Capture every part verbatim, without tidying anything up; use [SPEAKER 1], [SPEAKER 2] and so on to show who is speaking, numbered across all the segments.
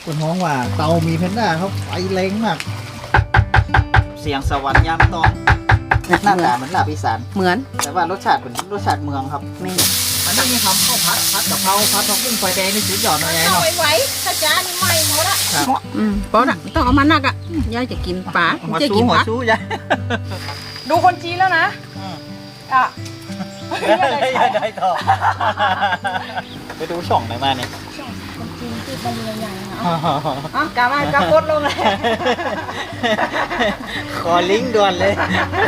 [SPEAKER 1] คนท้องว่าเตามีเพนด้าเขาไฟแรงมากเสียงสวรรค์ยามตอนหน้าตาเหมือนลาบอีสาน
[SPEAKER 2] เหมือน
[SPEAKER 1] แต่ว่ารสชาติเป็นรสชาติเมืองครับ
[SPEAKER 2] ไม่
[SPEAKER 1] อันนี้มีทำข้าวผัดผัดกะเพราผัดผักบุ้งไฟแดงนี่สุดยอดเลยเนาะ
[SPEAKER 3] ไว้ถ้าจานใหม่หมดละ
[SPEAKER 2] อืมป๊อดอ่ะต้องเอามานักอ่ะยายจะกินปลาจะกินผัก
[SPEAKER 1] ชูยาย
[SPEAKER 3] ดูคนจีนแล้วนะอ่ะ
[SPEAKER 1] ได้ได้ต่อไปดูช่องไหนมาเนี่ย
[SPEAKER 3] คนจีนที่เป็นใหญ่ๆอ่ะอ่ะกามากาโคตรลงเลย
[SPEAKER 1] ขอลิงก์ด่วนเลย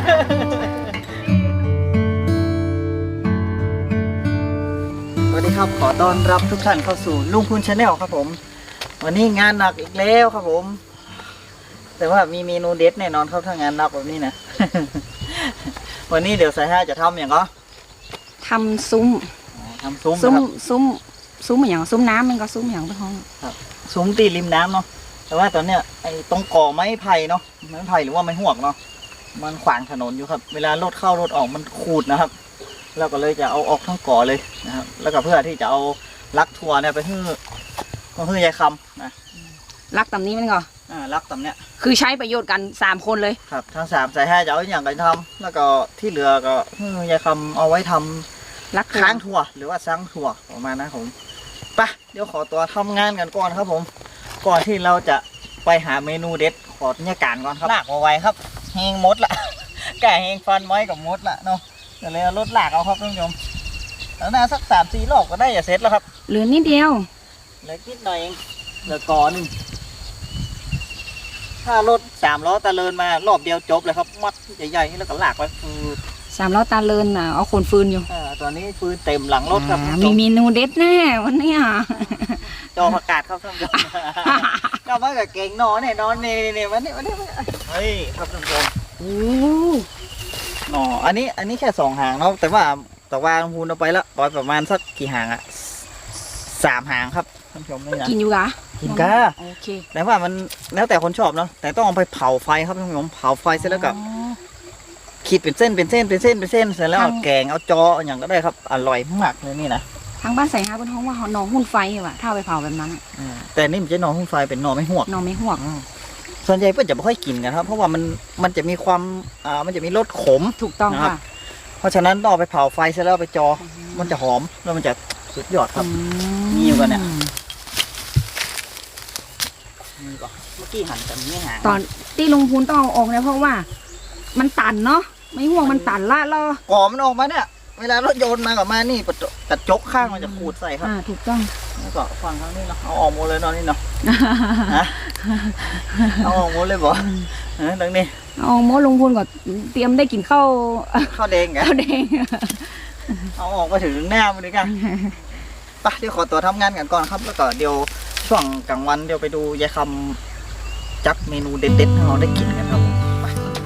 [SPEAKER 1] สวัสดีครับขอต้อนรับทุกท่านเข้าสู่ลุงพูนชาแนลครับผมวันนี้งานหนักอีกแล้วครับผมแต่ว่ามีเมนูเด็ดแน่นอนครับถ้างานหนักแบบนี้นะวันนี้เดี๋ยวสายห้าจะทำอย่างก็
[SPEAKER 2] ทำซุ้ม
[SPEAKER 1] ทำซุ้ม
[SPEAKER 2] ซุ้มซุ้มซุ้มอย่างซุ้มน้ำมันก็ซุ้มอย่างไปห้อง
[SPEAKER 1] ครับซุ้มตีริมน้ำเนาะแต่ว่าตอนเนี้ยไอ้ตรงก่อไม้ไผ่เนาะไม้ไผ่หรือว่าไม้หวกเนาะมันขวางถนนอยู่ครับเวลารถเข้ารถออกมันขูดนะครับเราก็เลยจะเอาออกทั้งก่อเลยนะครับแล้วก็เพื่อที่จะเอาลักทัวเนี่ยไปฮื้อก็ฮื้อยายคำนะ
[SPEAKER 2] ลักตำนี้มันก็
[SPEAKER 1] อ่าลักตำเนี้ย
[SPEAKER 2] คือใช้ประโยชน์กันสามคนเลย
[SPEAKER 1] ครับทั้งสามสายห้าจะเอาอย่างกันทำแล้วก็ที่เหลือก็ฮื้อยายคำเอาไว้ทำ
[SPEAKER 2] ลัก
[SPEAKER 1] ค้างทัวหรือว่าซังทัวประมาณนะผมไปเดี๋ยวขอตัวทำงานกันก่อนครับผมก่อนที่เราจะไปหาเมนูเด็ดขอเนี่ยการก่อนครับลากเอาไว้ครับแหงมดละแก่แหงฟันไม้กับมดละเนาะเดี๋ยวเลยรถลากเอาครับท่านผู้ชมแล้วน่าสักสามสี่รอบก็ได้อย่าเสร็จแล้วครับ
[SPEAKER 2] เหลือนิดเดียว
[SPEAKER 1] เหลือนิดหน่อยเองเหลือก่อหนึ่งถ้ารถสามล้อตะเลินมารอบเดียวจบเลยครับมัดใหญ่ๆแล้วก็ลากไป
[SPEAKER 2] สามล้อตาเลินอ่ะเอาคนฟืนอยู่
[SPEAKER 1] อ่าตอนนี้ฟืนเต็มหลังรถครับ
[SPEAKER 2] มีเมนูเด็ดแน่วันนี้อ่ะ
[SPEAKER 1] จอผักกาดครับท่านผู้ชมก็มากับเก่งนอนเนี่ยนอนเนี่ยเนี่ยวันนี้วันนี้เฮ้ยครับท่านผู้ชม
[SPEAKER 2] โอ้
[SPEAKER 1] หนออันนี้อันนี้แค่สองหางเนาะแต่ว่าแต่ว่าลงพูนเอาไปแล้วปล่อยประมาณสักกี่หางอะสามหางครับท่านผู้ชมนี่นะ
[SPEAKER 2] กินอยู่กะ
[SPEAKER 1] กินกะ
[SPEAKER 2] โอเค
[SPEAKER 1] แต่ว่ามันแล้วแต่คนชอบเนาะแต่ต้องเอาไปเผาไฟครับท่านผู้ชมเผาไฟเสร็จแล้วกับขีดเป็นเส้นเป็นเส้นเป็นเส้นเป็นเส้นเสร็จแล้วแกงเอาจออย่างก็ได้ครับอร่อยมากเลยนี่นะ
[SPEAKER 2] ทางบ้านใส่ฮาบนท้องว่าหนองหุ่นไฟว่ะถ้าไปเผาแบบนั้น
[SPEAKER 1] แต่นี่มันจะหนองหุ่นไฟเป็นหนองไม่หวก
[SPEAKER 2] หนองไม่หวก
[SPEAKER 1] ส่วนใหญ่เพื่อนจะไม่ค่อยกินกันครับเพราะว่ามันมันจะมีความอ่ามันจะมีรสขม
[SPEAKER 2] ถูกต้องค่ะ
[SPEAKER 1] เพราะฉะนั้นต้องไปเผาไฟเสร็จแล้วไปจอมันจะหอมแล้วมันจะสุดยอดครับนี่อยู่กันเนี่ยนี่ก่อนเมื่อกี้หั่นแต่ไม่หา
[SPEAKER 2] ตอนที่ลุงพูนต้องเอาออกเนี่ยเพราะว่ามันตันเนาะไม่ห่วงมันตันละล่อ
[SPEAKER 1] ก่อมันออกมาเนี่ยเวลารถโยนมากับมานี่กระจกข้างมันจะขูดใส่ครับ
[SPEAKER 2] อ่าถูกต้อง
[SPEAKER 1] แล้วก็ฟังข้างนี้เนาะเอาออกหมดเลยเนาะนี่เนาะเอาออกหมดเลยบ่เออตรงนี้
[SPEAKER 2] เอาหมดลุงพูนก่อนเตรียมได้กินข้าว
[SPEAKER 1] ข้าวแดงไง
[SPEAKER 2] ข้าวแดง
[SPEAKER 1] เอาออกมาถึงหน้ามันเลยกันไปเดี๋ยวขอตัวทำงานกันก่อนครับแล้วก็เดี๋ยวช่วงกลางวันเดี๋ยวไปดูยายคำจัดเมนูเด็ดๆให้เราได้กินกันครับผมไป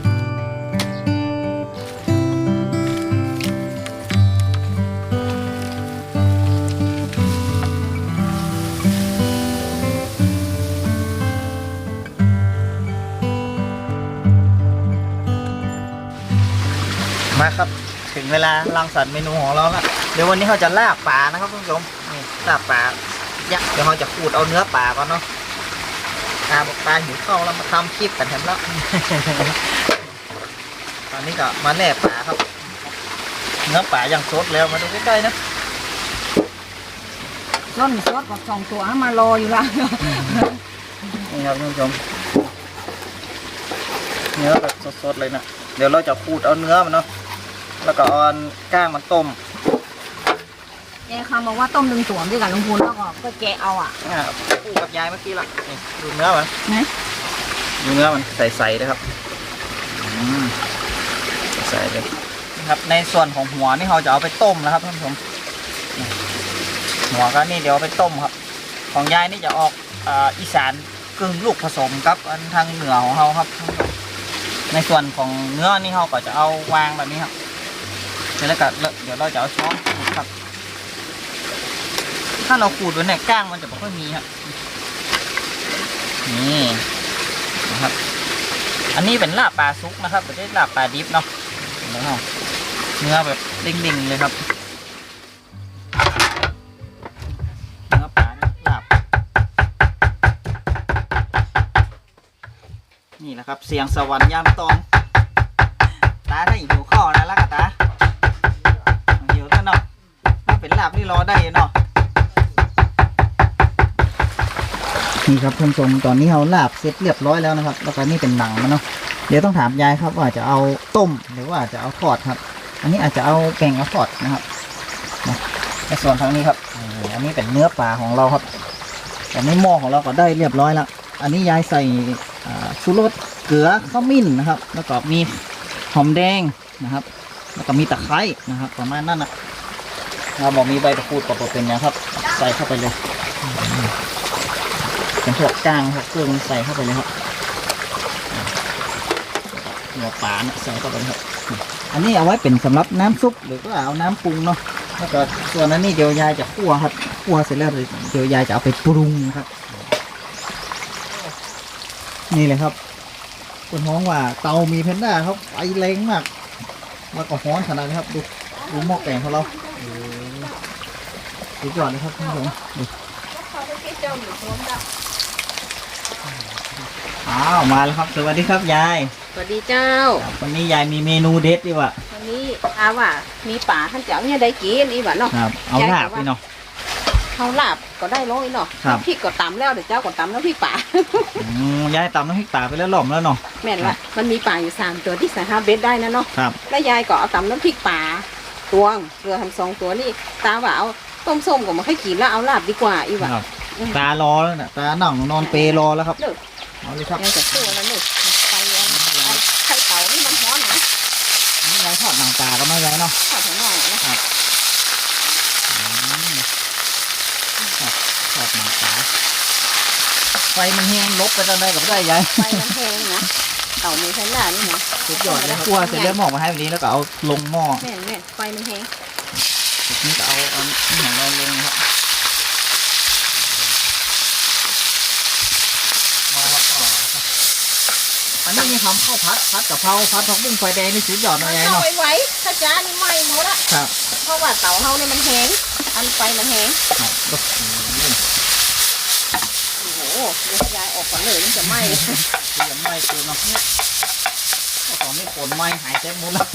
[SPEAKER 1] มาครับถึงเวลารังสรรค์เมนูของเราแล้วเดี๋ยววันนี้เขาจะลาบปลานะครับท่านผู้ชมนี่ลาบปลายักษ์เดี๋ยวเราจะขูดเอาเนื้อปลาก่อนเนาะปลาบอกปลาหิวข้าวแล้วมาทำคลิปกันแถมแล้วตอนนี้ก็มาแล่ปลาครับเนื้อปลาอย่างสดแล้วมาดูใกล้ๆนะ
[SPEAKER 2] ร่อนซอสกับสองตัวมารออยู่ละ
[SPEAKER 1] นี่ครับท่านผู้ชมเนื้อแบบสดๆเลยนะเดี๋ยวเราจะขูดเอาเนื้อมันเนาะแล้วก็เอาก้างมันต้ม
[SPEAKER 2] แกคำบอกว่าต้มดึงสวมด้วยกันลุงพูนแล้วก็ก็แกเอาอ่ะ
[SPEAKER 1] คู่กับยายเมื่อกี้ละนี่ดูเนื้อมัน
[SPEAKER 2] นะ
[SPEAKER 1] ดูเนื้อมันใสๆนะครับใสเลยนะครับในส่วนของหัวนี่เราจะเอาไปต้มนะครับท่านผู้ชมหัวก็นี่เดี๋ยวเอาไปต้มครับของยายนี่จะออกอีสานกึ่งลูกผสมกับอันทางเหนือของเราครับในส่วนของเนื้อนี่เราก็จะเอาวางแบบนี้ครับเสร็จแล้วก็เดี๋ยวเราจะเอาช้อนขูดครับถ้าเราขูดไว้เนี่ยก้างมันจะไม่ค่อยมีครับนี่นะครับอันนี้เป็นลาบปลาซุกนะครับไม่ใช่ลาบปลาดิบเนาะเนื้อแบบเด้งๆเลยครับเนื้อปลาลาบนี่แหละครับเสียงสวรรค์ยามตอนตาถ้าหิวข้าวนะลักกะตาหิวท่านเนาะมันเป็นลาบที่รอได้เนาะนี่ครับท่านผู้ชมตอนนี้เราลาบเสร็จเรียบร้อยแล้วนะครับแล้วก็นี่เป็นหนังมันเนาะเดี๋ยวต้องถามยายครับว่าจะเอาต้มหรือว่าจะเอาทอดครับอันนี้อาจจะเอาแกงเอาทอดนะครับนะในส่วนทางนี้ครับอันนี้เป็นเนื้อปลาของเราครับแต่ในหม้อของเราก็ได้เรียบร้อยแล้วอันนี้ยายใส่ชูรสเกลือข้าวมิ้นนะครับแล้วก็มีหอมแดงนะครับแล้วก็มีตะไคร้นะครับประมาณนั้นนะเราบอกมีใบตะกรูดกับเป็นอย่างครับใส่เข้าไปเลยเป็นพวกก้างพวกเครื่องใส่เข้าไปเลยครับหัวปลาเนี่ยใส่เข้าไปครับอันนี้เอาไว้เป็นสำหรับน้ำซุปหรือว่าเอาน้ำปรุงเนาะแล้วก็ส่วนนั้นนี่เดี๋ยวยายจะคั่วครับคั่วเสร็จแล้วเดี๋ยวยายจะเอาไปปรุงครับนี่เลยครับคนฮ้องว่าเตามีเพนด้าครับไฟแรงมากแล้วก็ฮ้อนขนาดนี้ครับดูดูหม้อแกงของเราดูก่อนนะครับท่านผู้ชมดูอ้าวมาแล้วครับสวัสดีครับยาย
[SPEAKER 3] สวัสดีเจ้า
[SPEAKER 1] วันนี้ยายมีเมนูเด็ดดีว่ะ
[SPEAKER 3] วันนี้อาว่ามีป่าท่านเจ้าเนี่ยได้กินอีหวะเนาะ
[SPEAKER 1] ครับเอาลาบพี่เนาะ
[SPEAKER 3] เขาลาบก็ได้ร้อยเนาะ
[SPEAKER 1] ครับ
[SPEAKER 3] พริกก็ตำแล้วเดี๋ยวเจ้าก็ตำน้ำพริกป่า
[SPEAKER 1] อืมยายตำน้ำพริกตาไปแล้วหล่อมแล้วเนาะ
[SPEAKER 3] แม่นละมันมีป่าอยู่สามตัวที่ใส่ห้าเบสได้นะเนาะ
[SPEAKER 1] ครับ
[SPEAKER 3] แล้วยายก็เอาตำน้ำพริกป่าตวงเรือทำสองตัวนี่ตาว่าเอาต้มส้มก็มาให้กินแล้วเอาลาบดีกว่าอีหวะ
[SPEAKER 1] ครับตารอแล้วนะตาหนังนอนเปรรอแล้วครับ
[SPEAKER 3] เลิก
[SPEAKER 1] เอาเลยครับ
[SPEAKER 3] ยายจะสู้แล้วเลิกไฟร้อนไอ้ไข่เต่านี่มันร้อนนะ
[SPEAKER 1] อันนี่ยายทอดหนังตาก็ไม่ยายเนาะ
[SPEAKER 3] ทอดหัวหน่อยนะ
[SPEAKER 1] อืมทอดทอดหนังตาไฟมันแห้งลบไปตอนใดกับได้ยาย
[SPEAKER 3] ไฟมันแพงนะเต่ามีแพนด้านี่นะ
[SPEAKER 1] สุดยอดเลยครับคั่วเสร็จแล้วหมอกมาให้แบบนี้แล้วก็เอาลงหม้อ
[SPEAKER 3] แม่นแม่นไฟมันแพง
[SPEAKER 1] ทีนี้ก็เอาเอานี่ของเราลงนะครับมาครับอ๋ออันนี้มีทำข้าวผัดผัดกะเพราผัดผักบุ้งไฟแดงนี่สุดยอดเลยยาย
[SPEAKER 3] เข้า
[SPEAKER 1] เนาะ
[SPEAKER 3] ไว้ไว้ถ้าจ้านี่ไหม้หมดละ
[SPEAKER 1] ครับ
[SPEAKER 3] เพราะว่าเต่าเฮาเนี่ยมันแห้งอันไฟมันแห้ง
[SPEAKER 1] ครับโอ้โห
[SPEAKER 3] โอ้โหเดี๋ยวยายออกก่อนเลยมันจะไหม้
[SPEAKER 1] เตรียมไม้เกินเนาะตอนนี้ฝนไหม้หายเต็มหมดแล้ว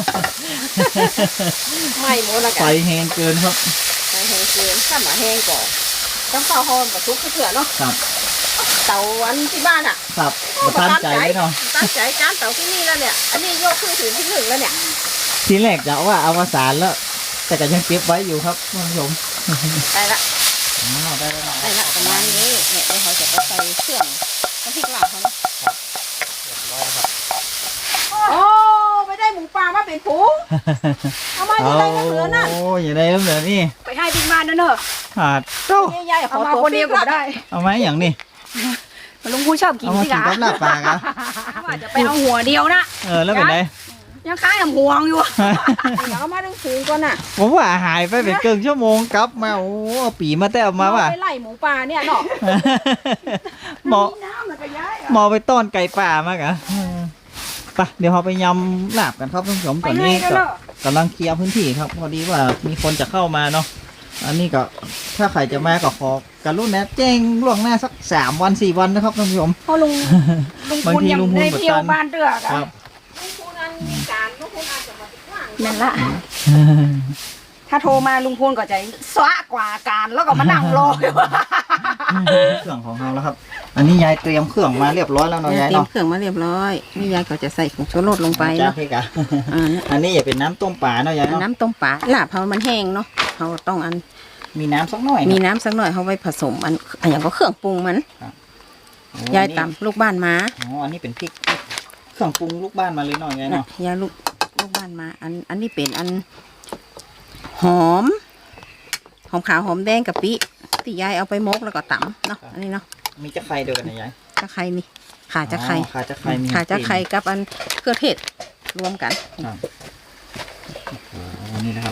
[SPEAKER 3] ไหม้หมดละ
[SPEAKER 1] ไฟ
[SPEAKER 3] กัน
[SPEAKER 1] แห้งเกินครับ
[SPEAKER 3] ไฟแห้งเกินข้ามมาแห้งก่อนต้องเข้าหอมกับทุกเถื่อเนาะ
[SPEAKER 1] ครับ
[SPEAKER 3] เต่าอันที่บ้านอ่ะ
[SPEAKER 1] ครับมาตั้งใจไว้เนาะ
[SPEAKER 3] ตั้งใจจานเต่าที่นี่แล้วเนี่ย อันนี้ยกขึ้นถึงที่หนึ่งแล้วเนี่ย
[SPEAKER 1] ทีแรกจะว่าอวสานแล้ว แต่ก็ยังเก็บไว้อยู่ครับท่านผู้ชม
[SPEAKER 3] ได้ละ
[SPEAKER 1] อ๋อได้แล้วเนาะ
[SPEAKER 3] ได้ละประมาณนี้เนี่ยเดี๋ยวเขาจะไปใส่เครื่องน้ำพริกลาบเขานะ
[SPEAKER 1] เรียบร้อยแล้วครับ
[SPEAKER 3] โอ้ไม่ได้หมูป่ามาเป็นฝูงเอามาอยู่ในน้ำเหลือนั่น
[SPEAKER 1] โอ้ยอย่าได้น้ำเหลือนี่
[SPEAKER 2] ไปให้บิ๊กบ้านนั่นเนอะ
[SPEAKER 1] ขาดเจ้า
[SPEAKER 3] นี่ยายข
[SPEAKER 2] เอา
[SPEAKER 3] อ
[SPEAKER 2] มา
[SPEAKER 3] ตัว
[SPEAKER 2] คนเดียวก็ได้
[SPEAKER 1] เอาไหมอย่างนี้
[SPEAKER 2] ลุงพูชอบกิน
[SPEAKER 1] เอามา
[SPEAKER 2] สิ
[SPEAKER 1] กิน
[SPEAKER 2] คะ
[SPEAKER 1] กับลาบปลากะ
[SPEAKER 2] ว่าจะไปเอาหัวเดียวนะ
[SPEAKER 1] เออแล้วเป็นไง
[SPEAKER 2] ยังค้างทำห่วงอยู่
[SPEAKER 3] เดี๋ยวเอามาทั้งฝูงก่อนน่ะ
[SPEAKER 1] ผมว่าหายไปเป็นเกินชั่วโมงกลับมาโอ้เอาปีมาแต่เอามาว่ะ
[SPEAKER 3] เอไปไล่หมูป่าเนี่ยเนาะ
[SPEAKER 1] หมอ
[SPEAKER 2] น้ำมันก็ย้าย
[SPEAKER 1] หมอไปต้อนไก่ป่ามากะไปเดี๋ยวเราไปยำลาบกันครับท่านผู้ชม
[SPEAKER 2] ไป
[SPEAKER 1] ตอน
[SPEAKER 2] ให้
[SPEAKER 1] นี้
[SPEAKER 2] กัน
[SPEAKER 1] ก็
[SPEAKER 2] เนอะ
[SPEAKER 1] กำลังเคลียร์พื้นที่ครับพอดีว่ามีคนจะเข้ามาเนาะอันนี้ก็ถ้าใครจะมาก็ขอการรุ่นนะแจ้งล่วงหน้าสักสามวันสี่วันนะครับท่านผู้ชม
[SPEAKER 2] เพราะลุงลุง
[SPEAKER 1] บาง
[SPEAKER 2] คุณ
[SPEAKER 1] ที
[SPEAKER 2] ยัง
[SPEAKER 1] ลุงพล
[SPEAKER 2] ได้
[SPEAKER 1] กด
[SPEAKER 2] เที่ยว
[SPEAKER 1] ดัน
[SPEAKER 2] บ้านเตือก
[SPEAKER 1] ค
[SPEAKER 2] อะ
[SPEAKER 1] รับ
[SPEAKER 3] ลุงพูนันมีการลุงพูนันจะมาติดว่าง
[SPEAKER 2] นั่นละถ้าโทรมาลุงพูนก็จะสวะกว่าการแล้วก็มานั่งรออยู่
[SPEAKER 1] เครื่องของเราแล้วครับ อันนี้ยายเตรียมเครื่องมาเรียบร้อยแล้วเนาะยาย
[SPEAKER 3] เตรียม
[SPEAKER 1] เนาะ
[SPEAKER 3] เครื่องมาเรียบร้อยนี่ยายก็จะใส่ผงชูรสลงไป
[SPEAKER 1] จ้า
[SPEAKER 3] เนาะ
[SPEAKER 1] พี่กะ
[SPEAKER 3] อ่าเนี่ย
[SPEAKER 1] อันนี้อย่าเป็นน้ำต้มปลาเนาะยายเนาะ
[SPEAKER 3] น้ำต้มปลาลาบเขามันแห้งเนาะเขาต้องอัน
[SPEAKER 1] มีน้ำสักหน่อย
[SPEAKER 3] มี
[SPEAKER 1] นะ
[SPEAKER 3] น้ำสักหน่อยเขาไว้ผสมอันอันอย่างก็เครื่องปรุงมัน
[SPEAKER 1] โอ้
[SPEAKER 3] ยาย
[SPEAKER 1] อันนี้
[SPEAKER 3] ตำลูกบ้านมา
[SPEAKER 1] อ๋ออันนี้เป็นพริกเครื่องปรุงลูกบ้านมาเลยเนาะยาย
[SPEAKER 3] นะ
[SPEAKER 1] เนาะ
[SPEAKER 3] ยายลูกลูกบ้านมา อันอันนี้เป็นอันหอม หอมขาวหอมแดงกะปิที่ยายเอาไปมกแล้วก็ตำเนาะอันนี้เนาะ
[SPEAKER 1] มีจะไข่เดียวกันนะยาย
[SPEAKER 3] จะไข่นี่ขาจะไข่
[SPEAKER 1] อ๋อขาจะไข่มี
[SPEAKER 3] ขาจะไข่กับอันเครื่องเทศรวมกัน
[SPEAKER 1] ครับโอ้โหนี่นะครับ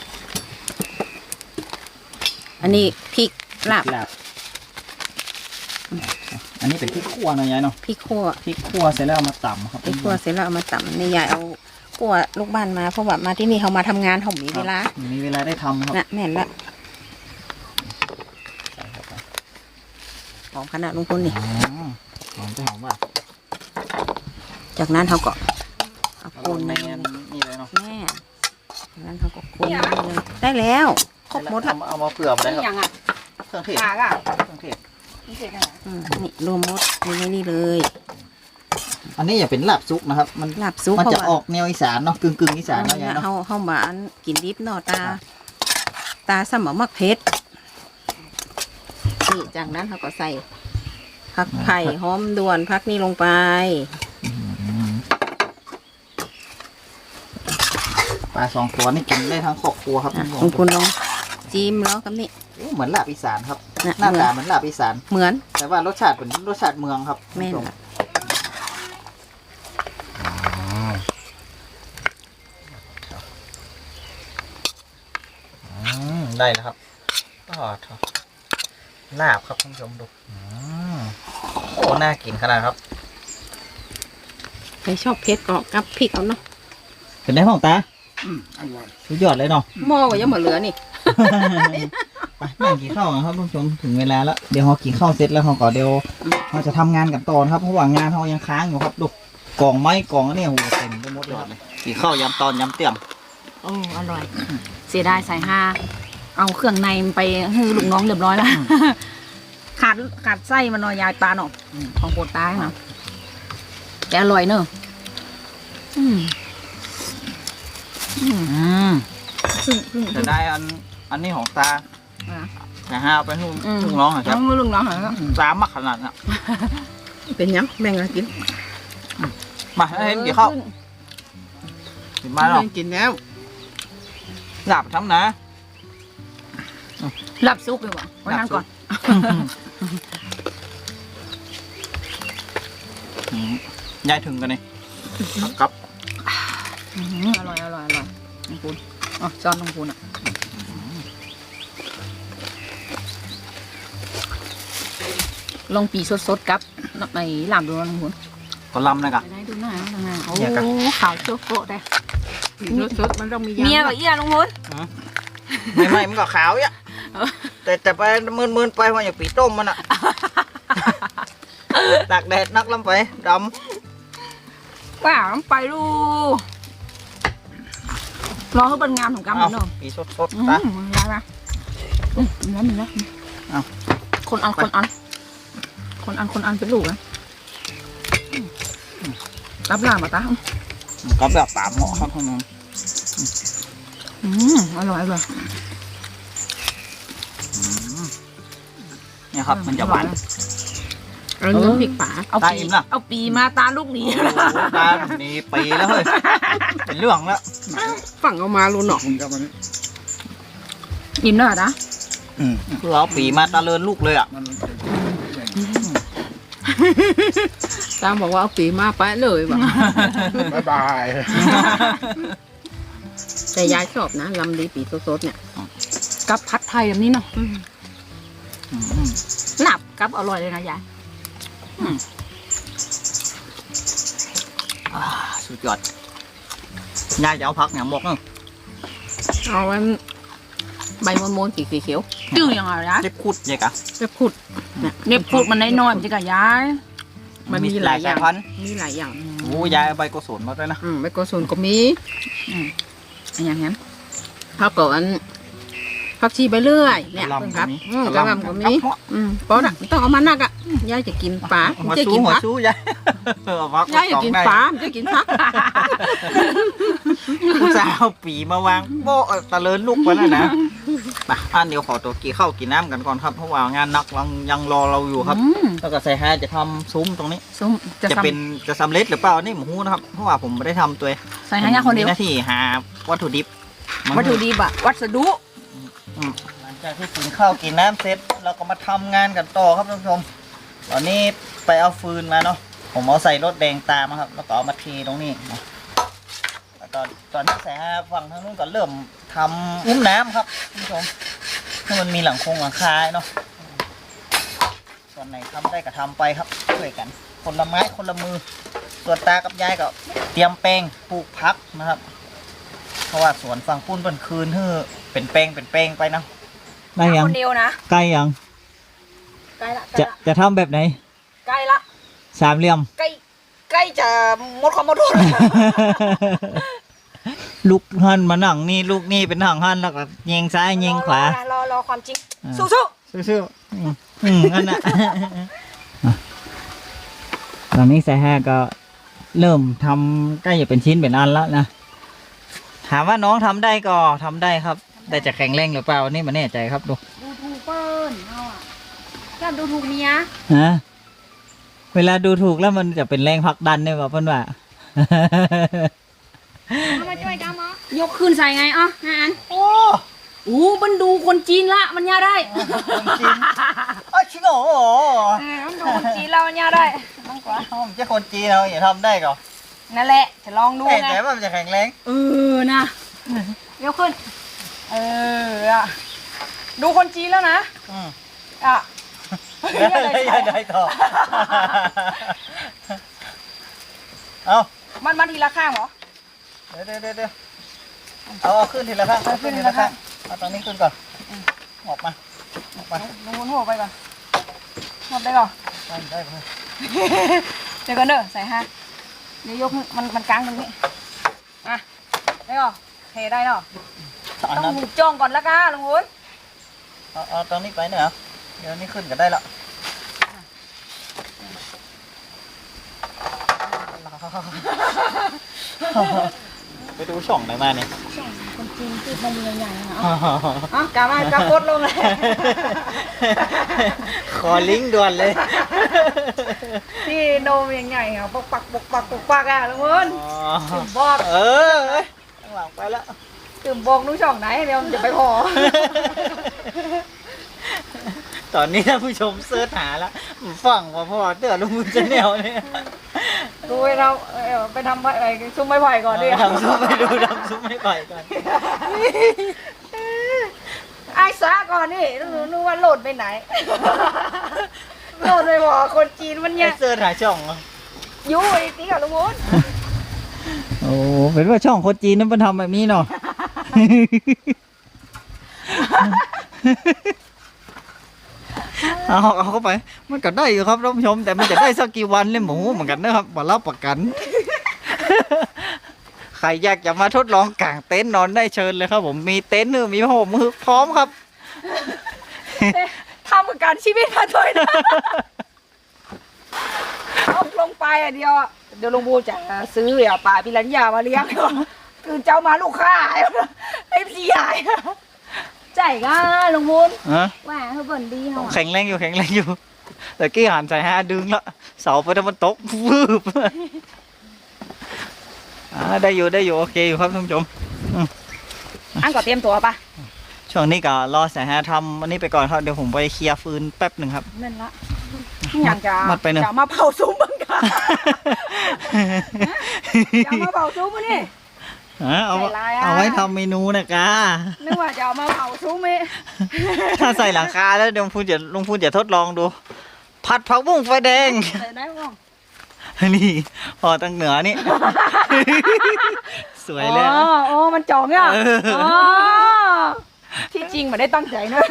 [SPEAKER 3] อันนี้พริกลาบ
[SPEAKER 1] ลาบอันนี้เป็นพริกขั่วเนาะยายเนาะ
[SPEAKER 3] พริกขั่ว
[SPEAKER 1] พริกขั่วเสร็จแล้วเอามาตำครับ
[SPEAKER 3] พริกขั่วเสร็จแล้วเอามาตำนี่ยายเอาขั่วลูกบ้านมาเพราะว่ามาที่นี่เขามาทำงานเขามีเวลา
[SPEAKER 1] มีเวลาได้ทำครับ
[SPEAKER 3] น่ะแม่นละหอมขนาดลุงพลนี่
[SPEAKER 1] อ๋อหอมจะหอมว่ะ
[SPEAKER 3] จากนั้นเขาก็เอา
[SPEAKER 1] เอา
[SPEAKER 3] คน
[SPEAKER 1] ใน
[SPEAKER 3] ใน
[SPEAKER 1] นี่เลยเนาะ
[SPEAKER 3] แม่จากนั้นเขาก็คนนี่เลยได้แล้วครบหมดละ
[SPEAKER 1] เอามาเผื่อมาได้
[SPEAKER 2] นี่
[SPEAKER 1] ครับ
[SPEAKER 2] ยังอ่ะ
[SPEAKER 1] เครื่องเทศ
[SPEAKER 2] ปลาอ่ะ
[SPEAKER 1] เครื่องเทศ
[SPEAKER 2] นี่เสร็จแล้ว
[SPEAKER 3] อืมนี่รวมหมดอยู่ในนี่เลย
[SPEAKER 1] อันนี้อย่าเป็นลาบซุกนะครับ มัน
[SPEAKER 3] ลาบซุป
[SPEAKER 1] มันจะ
[SPEAKER 3] เขา
[SPEAKER 1] อ
[SPEAKER 3] ว่า
[SPEAKER 1] อกแนวอีสานเนาะกึ่งกึ่งๆอีสานเนาะยายเนาะ
[SPEAKER 3] เฮาเฮามาอันกินดิบเนาะตา
[SPEAKER 1] ครับ
[SPEAKER 3] ตาสมอมักเพชรนี่จากนั้นเขาก็ใส่ผักไผ่หอมด่วนผักนี่ลงไป
[SPEAKER 1] ปลาสองตัวนี่กินได้ทั้งครอบครัวครับ
[SPEAKER 3] อ่ะ
[SPEAKER 1] ท่าน
[SPEAKER 3] คุ
[SPEAKER 1] ผู้
[SPEAKER 3] ณ
[SPEAKER 1] ชม
[SPEAKER 3] คุณลองจิ้มแล้วกับนี่
[SPEAKER 1] โอ้เหมือนลาบอีสานครับ
[SPEAKER 3] นะ
[SPEAKER 1] หน้า
[SPEAKER 3] เหมือ
[SPEAKER 1] ตาน เหมือนลาบอีสาน
[SPEAKER 3] เหมือน
[SPEAKER 1] แต่ว่ารสชาติเป็นรสชาติเมืองครับ
[SPEAKER 3] แม่น
[SPEAKER 1] ท่านผู้ช
[SPEAKER 3] ละ
[SPEAKER 1] อืมได้แล้วครับก็ลาบครับท่านผู้ชมดูอืมโอ้น่ากินขนาดครับ
[SPEAKER 3] ใครชอบเพชรก็กับพริกเอาเนาะ
[SPEAKER 1] เป็นได้ห้องตาสุดยอดเลยเนาะ
[SPEAKER 3] หม้อก็ยังมาเหลือนี่
[SPEAKER 1] ไปนั่งกินข้าวกันครับท่านผู้ชมถึงเวลาแล้วเดี๋ยวเรากินข้าวเสร็จแล้วเราก็เดี๋ยวเราจะทำงานกันต่อนะครับเพราะว่างานเรายังค้างอยู่ครับดูกล่องไม้กล่องอันนี้โอ้โหเต็มไปหมดเลยกินข้าวยำตอนยำเตี่ยม
[SPEAKER 2] โอ้อร่อย เสียดายใส่ห้าเอาเครื่องในมันไปให้ลูกน้องเรียบร้อยแล้ว ขาดขาดไส้มันหน่อยยายปลาเนาะของโปรดตายเนาะแต่อร่อยเนอะอืมอืม
[SPEAKER 1] อืม
[SPEAKER 2] ซึ่งซึ่ง
[SPEAKER 1] จะได้อันอันนี้ของตา
[SPEAKER 2] อ่ะ
[SPEAKER 1] แต่ห้าเอาไปให้ลูก
[SPEAKER 2] อืม
[SPEAKER 1] ลูกน้องเหรอครับ
[SPEAKER 2] เอาลูกน้องเหรอ
[SPEAKER 1] ตามมักขนาดน่ะ
[SPEAKER 3] เป็นยังแบ่งกันกิน
[SPEAKER 1] มาให้เห็นกี่ข้าวกินมาหรอ
[SPEAKER 3] กินแล้ว
[SPEAKER 1] หลับทำนะ
[SPEAKER 2] หลับซุปเลยวะไว้นั่นก่อน
[SPEAKER 1] อืมยายถึงกันนี่ครับ
[SPEAKER 2] อืมอร่อยอร่อยอร่อยน้องปูนอ๋อจอนน้องปูนอ่ะลองปีสดๆกับในหลามดูนะน้องปูน
[SPEAKER 1] ก็ลำนะกะ
[SPEAKER 2] ไปได้ดูหน้าดูหน้าโอ้
[SPEAKER 1] เนี่ยครับ
[SPEAKER 2] ขาวโจ๊กโกะได้
[SPEAKER 3] สดๆมันต้องมียำ
[SPEAKER 2] เมียกับเอี้ยน้องปูน
[SPEAKER 1] ไม่ไม่มันก็ขาวอ่ะแต่แต่ไปมืนมืนๆไปมันอย่างปีต้มมันอ่ะตากแดดนักลำไปด
[SPEAKER 2] ว้าวไปลูรอให้เป็นงานของ
[SPEAKER 1] ำ
[SPEAKER 2] กำ
[SPEAKER 1] เอา
[SPEAKER 2] เนาะ
[SPEAKER 1] ปีสดสด
[SPEAKER 2] อื
[SPEAKER 1] ๆ
[SPEAKER 2] ม
[SPEAKER 1] นะ
[SPEAKER 2] ได้ไหมอืมแล้วมีแล้ว
[SPEAKER 1] เอา
[SPEAKER 2] คนอันคนอันคนอันคนอันเป็นลูกนะรับหลานมาตา
[SPEAKER 1] ก็แบบปามเหมาะครับท่านผู้ชม
[SPEAKER 2] อืมอร่อยอร่อย
[SPEAKER 1] เนี่ยครับมันจะหวาน
[SPEAKER 3] เอาน้ำพริกป่า
[SPEAKER 2] เอา
[SPEAKER 1] ตา
[SPEAKER 2] ปี
[SPEAKER 1] อิ่มละ
[SPEAKER 2] เอาปีมาตาลูกหนี
[SPEAKER 1] ตานี่ปีแล้วเฮ้ยเป็นเรื่องแล้ว
[SPEAKER 3] ฝั่งเอามาลูนหนอก
[SPEAKER 2] ยิ้มหน่อยนะ
[SPEAKER 1] อืมคือเอาปีมาตาเลินลูกเลยอ่ะ
[SPEAKER 3] ตามบอกว่าเอาปีมาไปเลยว่ะ
[SPEAKER 4] บ๊ายบาย
[SPEAKER 3] แต่ยายชอบนะลำดีปีสดๆเนี่ย
[SPEAKER 2] กับผัดไทยแบบนี้เนาะ
[SPEAKER 1] อืม
[SPEAKER 2] หลับกับอร่อยเลยนะยาย
[SPEAKER 1] อ่าสุดยอดยายจะเอาพักเนี่ยหมกเนาะ
[SPEAKER 3] เอาไว้ใบมนมนๆสีเขียว
[SPEAKER 2] จื้อยังไงยาย
[SPEAKER 1] เล็บคุดยายกะ
[SPEAKER 3] ๆจะขุดเนี่ย
[SPEAKER 2] เน็บพูดมันน้อยๆมันจะกับยาย
[SPEAKER 3] มันมีหลายอย่าง
[SPEAKER 1] สพันธุ์
[SPEAKER 3] มีหลายอย่าง
[SPEAKER 1] โอ้ยายเอาใบโกศลมาด้วยนะ
[SPEAKER 3] อืมใบโกศลก็มี
[SPEAKER 2] อันอย่างนั้น
[SPEAKER 3] ผักก่อนผักชีใบเลื่อยเนี่ยเพิ่งครับอืมกระหลำก็มีอืมเพราะน่ะต้องเอามานักอ่ะยายจะกินปลา
[SPEAKER 1] หัว
[SPEAKER 3] จะ
[SPEAKER 1] ชู
[SPEAKER 3] กิน
[SPEAKER 1] หัว
[SPEAKER 3] ผัก
[SPEAKER 1] ชูยายเอาพัก
[SPEAKER 3] ยายจะกินปลาจะกินผัก
[SPEAKER 1] อุตส่าห์เอาปีมาวางโบ๊ะตะเลินลูกไปแล้วนะไปอันเดี๋ยวขอตัวกี่ข้าวกินน้ำกันก่อนครับเพราะว่างานนักยังยังรอเราอยู่ครับ
[SPEAKER 2] อืม
[SPEAKER 1] แล้วก็ใส่แฮจะทำซุ้มตรงนี้
[SPEAKER 2] ส้มจะ
[SPEAKER 1] จะ
[SPEAKER 2] ทำ
[SPEAKER 1] เป็นจะสำเร็จหรือเปล่านี่หมูนะครับเพราะว่าผมไม่ได้ทำตัวเอง
[SPEAKER 2] ใส่ให้ยาคนเดียว
[SPEAKER 1] มีหน้าที่หาวัตถุดิบมา
[SPEAKER 2] วัตถุดิบอะวัสดุ
[SPEAKER 1] อืมหลังจากที่กินข้าวกินน้ำเสร็จเราก็มาทำงานกันต่อครับท่านผู้ชมตอนนี้ไปเอาฟืนมาเนาะผมเอาใส่รถแดงตามมาครับแล้วก็เอามาเทตรงนี้นะแล้วตอนตอนนี้แสฝั่งทางนู้นก็เริ่มทำอุ้มน้ำครับท่านผู้ชมให้มันมีหลังคงหลังคาเนาะส่วนไหนทำได้ก็ทำไปครับช่วยกันคนละไม้คนละมือส่วนตากับยายก็เตรียมแปลงปลูกพักนะครับ เพราะว่าสวนฝั่งปุ้นเป็นคืนเฮ้อเป็นแปลงเป็นแปลงไปนะได้ยัง
[SPEAKER 2] คนเดียวนะ
[SPEAKER 1] ใกล้ยัง
[SPEAKER 2] ใกล้ละใกล้
[SPEAKER 1] จะ
[SPEAKER 2] ละ
[SPEAKER 1] จะทำแบบไหน
[SPEAKER 2] ใกล้ละ
[SPEAKER 1] สามเหลี่ยม
[SPEAKER 2] ใกล้ใกล้ล้จะหมดความอดทน
[SPEAKER 1] ลูกหันมาหนังนี่ลูกนี่เป็นหนังหันแล้วก็ยิงซ้ายยิงขวาร
[SPEAKER 2] อรอความจริง
[SPEAKER 1] อ่า
[SPEAKER 2] สู้
[SPEAKER 1] สู้ๆอืมอืมอันน่ะ อ่ะตอนนี้สายห้าก็เริ่มทำใกล้จะเป็นชิ้นเป็นอันแล้วนะถามว่าน้องทำได้ก็ทำได้ครับแต่จะแข็งแรงหรือเปล่านี่มันแน่ใจครับดู
[SPEAKER 2] ๆดูถูกเปิ้ลเอาอ่ะแค่ดูถูกเมีย
[SPEAKER 1] ฮะเวลาดูถูกแล้วมันจะเป็นแรงผลักดันเนี่ยว่าเพิ่นว่า
[SPEAKER 2] มาช่วยกันมั้ยกขึ้นใส่ไงอ่ะฮะอัน
[SPEAKER 1] โอ้
[SPEAKER 2] โอ้มันดูคนจีนละมันย่าได้
[SPEAKER 1] คนจีนอ๋อชิโง่
[SPEAKER 2] เออมันดูคนจีนแล้วมันย่าได้น้องกว่า
[SPEAKER 1] ผมจะคนจีนเราอย่าทำได้ก่อน
[SPEAKER 2] นั่นแหละจะลองดู
[SPEAKER 1] แน่
[SPEAKER 2] ไง
[SPEAKER 1] ใจว่ามันจะแข็งแรง
[SPEAKER 2] เออนะยกขึ้น เอออ่ะดูคนจีนแล้วนะ
[SPEAKER 1] อืม
[SPEAKER 2] อ่ะ
[SPEAKER 1] อย่าได้อย่าได้ต่อเอา
[SPEAKER 2] มันมาทีละข้างเหรอ
[SPEAKER 1] เดี๋ยวเดี๋ยวเดี๋ยวเอาเอาขึ้นทีละข้างเอาขึ้นทีละข้างเอาตรงนี้ขึ้นก่อนออกมาออกมา
[SPEAKER 2] ลงบนหัวไปก่อนหมดได้ก่อน
[SPEAKER 1] ได้ได้ไป
[SPEAKER 2] เดี๋ยวก่อนเด้อใส่ฮะเดี๋ยวยกมันมันกลางตรงนี้อ่ะได้ก่อนเทได้เนาะ
[SPEAKER 1] อัน
[SPEAKER 2] ต้อ
[SPEAKER 1] นั้
[SPEAKER 2] ง
[SPEAKER 1] น
[SPEAKER 2] หูจ้องก่อนละกันลุงวุ้น
[SPEAKER 1] เอาเอาตรงนี้ไปเนี่ยเหรอเดี๋ยวนี้ขึ้นก็ได้ละไปดูช่องไหนมาเนี่ย
[SPEAKER 2] คนจีนพูดมันใหญ่ๆนะอ๋อกามากาโคตรลงเลย
[SPEAKER 1] ขอลิงก์ด่วนเลย
[SPEAKER 2] ที่โนมใหญ่ๆอ่ะปกปักปกปักปกปักอ่ะลุงวุ้นตื่มบอก
[SPEAKER 1] เออข้างหลังไปแล้ว
[SPEAKER 2] ตื่มบอกนู้ช่องไหนเดี๋ยวมันจะไปพอ
[SPEAKER 1] ตอนนี้ท่านผู้ชมเสิร์ชหาแล้วฟังว่าพ่อเตือลุงบุญจะแนวเนี่ย
[SPEAKER 2] ดูไปเราเอ่อไปทำอะไรซุ้มไม้ไผ่ก่อนดิ
[SPEAKER 1] ทำซุ้มไม่ดูทำซุ้มไม่ไปก่อน
[SPEAKER 2] ไอ้ซาก่อนนี่รู้นึกว่าโหลดไปไหน โหลดไปบอกคนจีนมัน
[SPEAKER 1] ไอ
[SPEAKER 2] เนี่ย
[SPEAKER 1] เสิร์ชหาช่องเหรอ
[SPEAKER 2] อยู่ไอ้ตีกับลุงวุ้น
[SPEAKER 1] โอ้เป็นว่าช่องคนจีนนั้นมันทำแบบนี้เนาะ เอาเอาเข้าไป มันก็ได้อยู่ครับท่านผู้ชม แต่มันจะได้สักกี่วันเล่มหมูเหมือนกันนะครับบอรับประกัน ใครอยากจะมาทดลองกางเต็นท์นอนได้เชิญเลยครับ ผมมีเต็นท์มีผ้าห่มมือพร้อมครับ
[SPEAKER 2] ทำประกันชีวิตมาด้วยนะ เอาลงไปอ่ะเดียวอะเดี๋ยวลุงบูจะซื้อเดี๋ยวป่าปิรัญญามาเลี้ยง คือเจ้ามาลูกค้าไอ้พี่ใหญ่ใจก็ลุงบูน
[SPEAKER 1] ฮะ
[SPEAKER 2] ว่าเขาเบิ่นดีเนาะ
[SPEAKER 1] แข็งแรงอยู่แข็งแรงอยู่ แต่กี้หันใส่ห้าดึงแล้วเสาไปถ้ามันตกวืบอ่าได้อยู่ได้อยู่โอเคอยู่ครับท่านผู้ชม
[SPEAKER 2] อันก็เตรียมตัวปะ
[SPEAKER 1] ช่วงนี้ก็รอสายห้าทำอันนี้ไปก่อนครับเดี๋ยวผมไปเคลียร์ฟืนแป๊บหนึ่งครับ
[SPEAKER 2] นั่นละอยากจะ
[SPEAKER 1] มัดไปเนอะ
[SPEAKER 2] จะมาเผาซุ้มบ้างค่ะจะมาเผาซุ้มมั้ยนี่
[SPEAKER 1] ฮะเอา
[SPEAKER 2] ใส่ลายอะ
[SPEAKER 1] เอาไว้ทำเมนูนะกา
[SPEAKER 2] นึกว่าจะเอามาเผาซุ้มไหม
[SPEAKER 1] ถ้าใส่หลังคาแล้วเดี๋ยวลุงพูนจะลุงพูนจะทดลองดู ผัดผักบุ้งไฟแดง
[SPEAKER 2] ใส่ได้บ้าง
[SPEAKER 1] นี่พอตั้งเหนือนี่ สวยเลย
[SPEAKER 2] อ๋ออ๋อมันจ่องอ่ะ
[SPEAKER 1] เอออ๋
[SPEAKER 2] อ๋อที่จริงไม่ได้ตั้งใจนะ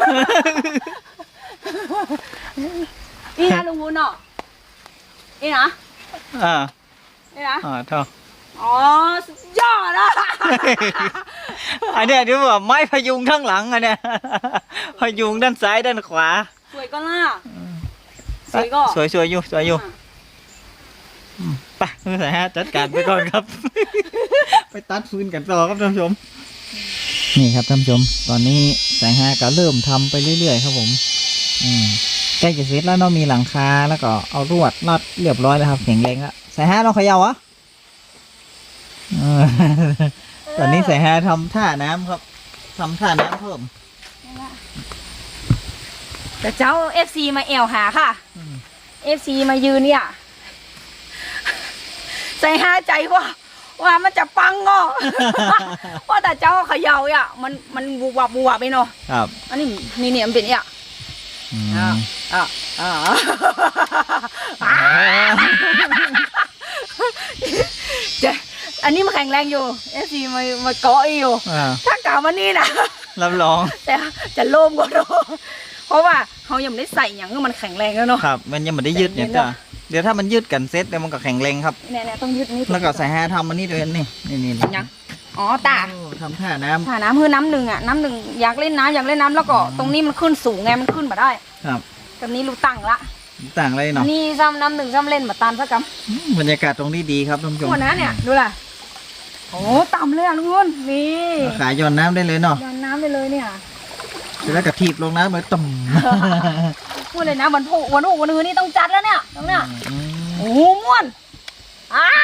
[SPEAKER 2] นี่นะลุงวุ้นเนาะนี่นะ
[SPEAKER 1] อ่า
[SPEAKER 2] นี่นะ
[SPEAKER 1] อ่าเท่า
[SPEAKER 2] อ๋อสุดยอดอ่ะ
[SPEAKER 1] อันเนี้ยที่ว่าไม้พยุงทั้งหลังอันเนี้ย พยุงด้านซ้ายด้านขวา
[SPEAKER 2] สวยก็ล่ะสวยก็
[SPEAKER 1] สวยสวยอยู่สวยอยู่ไปมือสายฮะจัดการไปก่อนครับ ไปตัดฟืนกันต่อครับท่านผู้ชม นี่ครับท่านผู้ชม ตอนนี้สายฮะก็เริ่มทำไปเรื่อยๆครับผม อืมใกล้จะเสร็จแล้วเนาะมีหลังคาแล้วก็เอาลวดรัดเรียบร้อยแล้วครับแข็งแรงแล้วสายฮะเราเขย่าอ่ะเออ ตอนนี้สายฮะทำท่าน้ำครับทำท่าน้ำเพิ่ม
[SPEAKER 2] แต่เจ้าเอฟซีมาแอวหาค่ะ
[SPEAKER 1] อืม
[SPEAKER 2] เอฟซีมายืนเนี่ยใจหาใจว่าว่ามันจะปังก็ ว่าแต่เจ้าเขย่าอ่ะมันมันบูวับบูวับไปเนาะ
[SPEAKER 1] ครับ
[SPEAKER 2] อันนี้นี่เนี่ยมันเป็นเนี่ย
[SPEAKER 1] อืม
[SPEAKER 2] อ่าอ่าอ่าจะอันนี้มันแข็งแรงอยู่เอฟซีมามาเกาะอยู่
[SPEAKER 1] อ่า
[SPEAKER 2] ถ้ากล่าวมานี่นะ
[SPEAKER 1] รับรอง
[SPEAKER 2] แต่จะโล่มกว่าเนาะเพราะว่าเขาเขายังไม่ได้ใส่อย่างให้มันแข็งแรงแล้วเนาะ
[SPEAKER 1] ครับ มันยังไม่ได้ยืดเนี่ย
[SPEAKER 2] เดี๋ยว
[SPEAKER 1] จ้ะเดี๋ยวถ้ามันยืดกันเซ็ตเดี๋ยวมันก็แข็งแรงครับ
[SPEAKER 2] เนี่ยเนี่ยต้องยืดนี่
[SPEAKER 1] แล้วก็ใส่แฮทำมันนี่ด้วยนี่นี่นี่นี่
[SPEAKER 2] ยังอ๋อตา
[SPEAKER 1] โอ้ทำท่าน้
[SPEAKER 2] ถ้าน้ำคือน้ำหนึ่งอ่ะน้ำหนึ่งอยากเล่นน้ำอยากเล่นน้ำแล้วก็ตรงนี้มันขึ้นสูงไงมันขึ้นมาได้
[SPEAKER 1] ำครับ
[SPEAKER 2] ตรงนี้รู้ตั้งละ
[SPEAKER 1] ต่างอะไรเนาะ
[SPEAKER 2] นี่ซ้ำน้ำหนึ่งซ้ำเล่นมาตานสักก
[SPEAKER 1] อืมบรรยากาศตรงนี้ดีครับท่านผู้ช
[SPEAKER 2] ำ
[SPEAKER 1] ม
[SPEAKER 2] หัวนะเนี่ยดูล่ะโอ้ต่ำเลยอ่ะลุงพลนี่
[SPEAKER 1] ขายย้อนน้ำได้เลยเนาะ
[SPEAKER 2] ย้อนน้ำไปเลยเนี่ย
[SPEAKER 1] เสร็จแล้วก็ถีบลงน้ำเลยต่ำ
[SPEAKER 2] พูดเลยนะวันพุวันพุวันอื่นนี่ต้องจัดแล้วเนี่ยตรงเนี้ย
[SPEAKER 1] อืม
[SPEAKER 2] โอ้โหม่วนอ้า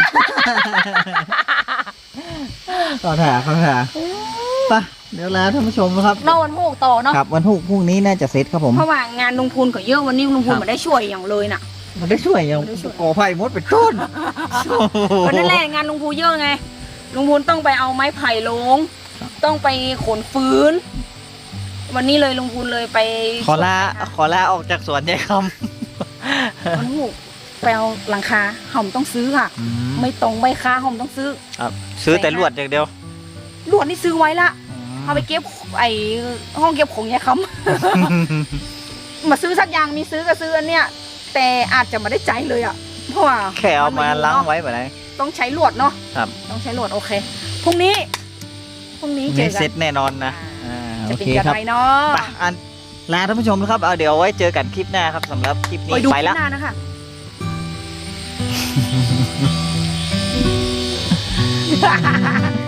[SPEAKER 1] ขอถ่าขอถ่าไปเดี๋ยวลาท่านผู้ชมครับ
[SPEAKER 2] เราวันพุต่อเนาะ
[SPEAKER 1] ครับวันพรุ่งพรุ่งนี้น่าจะเสร็จครับผม
[SPEAKER 2] เพราะว่างานลุงพูนก็เยอะวันนี้ลุงพูน
[SPEAKER 1] ครับ
[SPEAKER 2] ไม่ได้ช่วยอย่างเลยน่ะ
[SPEAKER 1] มันได้ช่วยยัง
[SPEAKER 2] มันได้ช่วย
[SPEAKER 1] ก่อไผ่มดเป็นต้น
[SPEAKER 2] วันนั้นแหละงานลุงพูนเยอะไงลุงพูนต้องไปเอาไม้ไผ่ลง ต้องไปขนฟืน วันนี้เลยลุงพูนเลยไป
[SPEAKER 1] ขอลาขอลาออกจากสวนยายค
[SPEAKER 2] วันพุไปเอาหลังคาห่อมต้องซื้อค่ะ
[SPEAKER 1] ำ
[SPEAKER 2] ไม่ตรงไม่ค้าห่อมต้องซื้อ
[SPEAKER 1] ครับซื้อแต่ลวดอย่างเดียว
[SPEAKER 2] ลวดนี่ซื้อไว้ละเอาไปเก็บไอห้องเก็บของยายคำ มาซื้อสักอย่างมีซื้อก็ซื้ออันเนี้ยแต่อาจจะไม่ได้ใจเลยอ่ะเพราะว่า
[SPEAKER 1] แค่เอามาล้าง
[SPEAKER 2] เนะ
[SPEAKER 1] ไว้แบบไหน
[SPEAKER 2] ต้องใช้ลวดเนาะ
[SPEAKER 1] ครับ
[SPEAKER 2] ต้องใช้ลวดโอเคพรุ่งนี้พรุ่งนี้เจ
[SPEAKER 1] มี
[SPEAKER 2] อกั
[SPEAKER 1] เซ็ต
[SPEAKER 2] น
[SPEAKER 1] แน่นอนนะอ่า
[SPEAKER 2] จะ
[SPEAKER 1] โอ
[SPEAKER 2] เป็น
[SPEAKER 1] เค
[SPEAKER 2] ยัง
[SPEAKER 1] ครับ
[SPEAKER 2] ไงเนาะ
[SPEAKER 1] ไปอันลาท่านผู้ชมนะครับเอาเดี๋ยวไว้เจอกันคลิปหน้าครับสำหรับคลิป
[SPEAKER 2] ไป
[SPEAKER 1] นี้
[SPEAKER 2] ดู
[SPEAKER 1] ไป
[SPEAKER 2] คลิ
[SPEAKER 1] ละ
[SPEAKER 2] ปหน้านะคะ
[SPEAKER 1] ไ